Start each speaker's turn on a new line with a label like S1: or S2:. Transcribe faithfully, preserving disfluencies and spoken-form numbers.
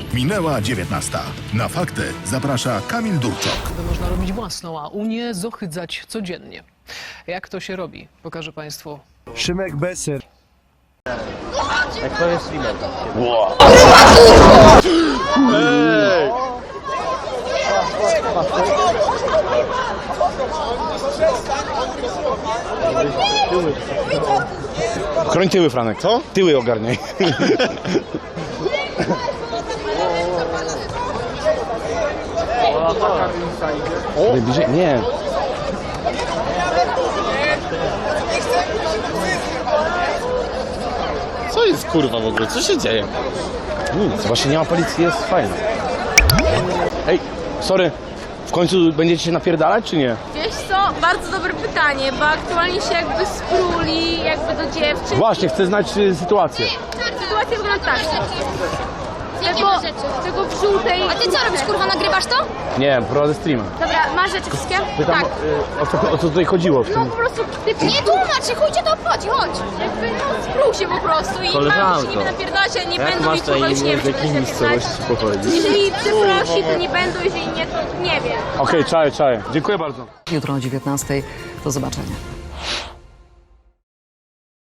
S1: Minęła dziewiętnasta. Na fakty zaprasza Kamil Durczok.
S2: To można robić własną, a Unię zohydzać codziennie. Jak to się robi, pokażę Państwu.
S3: Szymek Beser.
S4: Jak to jest streamer?
S5: Chroń tyły, Franek, co? Tyły ogarniaj. O, bliżej? Nie.
S4: Co jest kurwa w ogóle? Co się dzieje?
S5: Nic, właśnie nie ma policji, jest fajnie. Ej, sorry, w końcu będziecie się napierdalać, czy nie?
S6: Wiesz co, bardzo dobre pytanie, bo aktualnie się jakby spruli jakby do dziewczyn.
S5: Właśnie, chcę znać y, sytuację.
S6: Sytuacja wygląda tak.
S7: Jakie
S6: Tego,
S7: masz rzeczy?
S6: tego w żółtej...
S7: A ty co robisz, kurwa, nagrywasz to?
S5: Nie, prowadzę streama.
S6: Dobra, masz rzeczy wszystkie?
S5: Pytam,
S6: Tak.
S5: y, o, co, o co tutaj chodziło w
S6: No
S5: tym?
S6: po prostu ty
S7: Nie tłumacz, chuj cię to obchodzi, chodź!
S6: jakby no, sprół się po prostu i mam
S4: Koleżanko.
S6: się nimi napierdalać, ale nie
S4: Jak
S6: będą
S4: masz
S6: i kurwa
S4: na
S6: już nie
S4: imię,
S6: wiem,
S4: z
S6: czy będę
S4: jakimi
S6: napierdalać.
S4: miejscowości pochodzi?
S6: Jeżeli przeprosi, to nie będą, jeżeli nie, to nie wiem.
S5: Okej, okay, czaję, czaję. Dziękuję bardzo.
S8: Jutro o dziewiętnastej. Do zobaczenia.